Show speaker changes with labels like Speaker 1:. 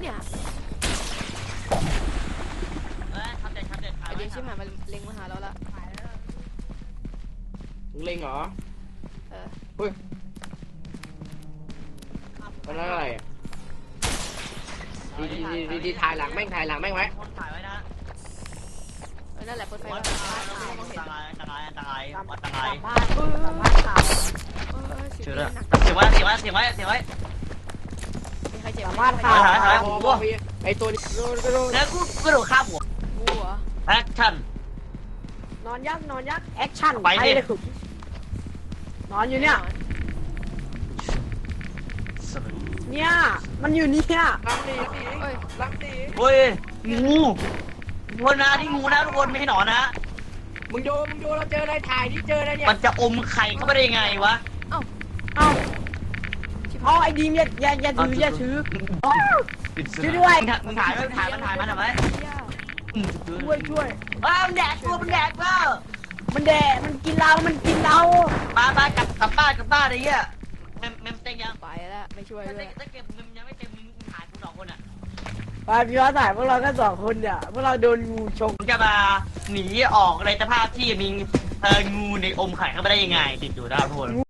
Speaker 1: เนี่ย
Speaker 2: ทำเด็ด
Speaker 1: ไอเด็กชิบหายมาเล็งมาหาเราละ
Speaker 3: มึงเล็งเหรอ
Speaker 1: เออ
Speaker 3: เฮ้ยมันอะไรอ่ะดีถ่ายหลังแม่งถ่ายหลังแม่งไว้
Speaker 2: คนถ่ายไว้นะ
Speaker 1: นั่นแหละเปิดไฟ
Speaker 2: วั
Speaker 1: ไว้
Speaker 2: ดอันตรายอันตรายอันตรายอันตราย
Speaker 4: บ้านข่าว
Speaker 2: เชื่อเลยเสียงไว้เสียงไว้เสียงไว้เสียงไว้
Speaker 1: มีใครเจ็บ
Speaker 4: บ้านข่าว
Speaker 2: ถ่าย
Speaker 3: ไอตัวนี้
Speaker 2: แล้วกูกระโดดข้ามหัว
Speaker 1: งูเหรอ
Speaker 2: แอคชั่น
Speaker 4: นอนยักแอคชั่น
Speaker 2: ไปดิ
Speaker 4: เลยขุดนอนอยู่เนี่ยมันอยู่เนี่ย
Speaker 3: ลังดี
Speaker 1: เอ้ย
Speaker 3: ลังดี
Speaker 2: เฮ้ยงูงูนะที่งูนะทุกคนไม่ใช่หนอนนะ
Speaker 3: มึงดูเราเจออะไรถ่ายที่เจออะไรเนี่ย
Speaker 2: มันจะอมไข่เข้าไปได้ยังไงวะ
Speaker 4: เอ้าไอ้ดีมอย่าถือช่วยด้วย
Speaker 2: มึงถ่ายมันถ่ายมันทำไม
Speaker 4: ช่วย
Speaker 2: อ้าวมันแดกตัวมันแดกเปล่า
Speaker 4: มันแดดมันกินเรา
Speaker 2: มากลับบ้านไอ้เหี้ยเมมเต็งยัง
Speaker 1: ไปแล้วไม่ช่วย
Speaker 2: ถ้า
Speaker 1: ด้วย
Speaker 2: เก็บเมมยังไม่เต็มมึงถ่ายกู2 คนอ่ะ
Speaker 4: ไปพี่ว่าถ่ายพวกเราก็2 คนเนี่ยพวกเราโดนงูชก
Speaker 2: มึงจะมาหนีออกในสภาพที่มีงูในอมไข่เข้าไปได้ยังไงติดอยู่นะทุกคน